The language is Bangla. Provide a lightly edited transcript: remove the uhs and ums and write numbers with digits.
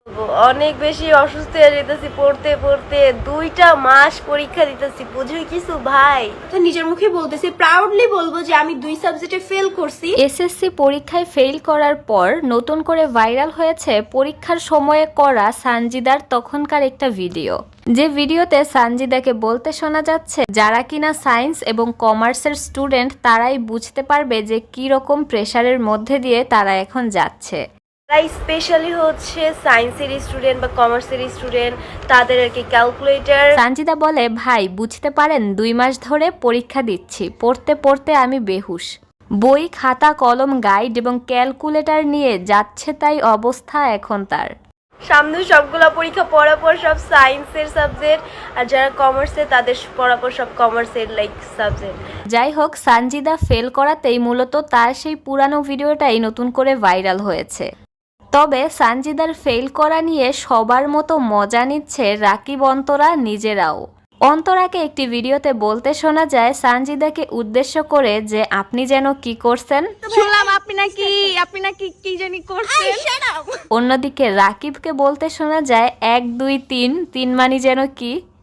অনেক বেশি অসুস্থ হয়ে যেতেছি পড়তে পড়তে, 2টা মাস পরীক্ষা দিতেছি, বুঝুই কিছু ভাই। তো নিজের মুখে বলতেছি, প্রাউডলি বলবো যে আমি 2 সাবজেক্টে ফেল করছি। এসএসসি পরীক্ষায় ফেল করার পর নতুন করে ভাইরাল হয়েছে পরীক্ষার সময়ে করা সানজিদার তখনকার একটা ভিডিও, যে ভিডিওতে সানজিদাকে বলতে শোনা যাচ্ছে যারা কিনা সায়েন্স এবং কমার্সের স্টুডেন্ট তারাই বুঝতে পারবে যে কি রকম প্রেসারের মধ্যে দিয়ে তারা এখন যাচ্ছে। তাই স্পেশালি হচ্ছে সায়েন্সের স্টুডেন্ট বা কমার্সের স্টুডেন্ট, তাদের আর কি ক্যালকুলেটর। সানজিদা বলে, ভাই বুঝতে পারেন 2 মাস ধরে পরীক্ষা দিচ্ছি, পড়তে পড়তে আমি বেহুশ, বই খাতা কলম গাইড এবং ক্যালকুলেটর নিয়ে যাচ্ছে তাই অবস্থা এখন তার। সামনে সবগুলা পরীক্ষা পড়াপর সব সায়েন্সের সাবজেক্ট, আর যারা কমার্সে তাদের পড়াপর সব কমার্সের সাবজেক্ট। যাই হোক, সানজিদা ফেল করাতেই মূলত তার সেই পুরানো ভিডিওটাই নতুন করে ভাইরাল হয়েছে। তবে সানজিদার ফেল করা নিয়ে সবার মতো মজা নিচ্ছে রাকিব অন্তরা নিজেরাও। অন্তরাকে একটি ভিডিওতে বলতে শোনা যায় সানজিদাকে উদ্দেশ্য করে যে আপনি যেন কি করছেন, শুনলাম আপনি নাকি কি জানি করছেন। অন্যদিকে রাকিবকে বলতে শোনা যায় 1 2 3 3 মানি যেন কি।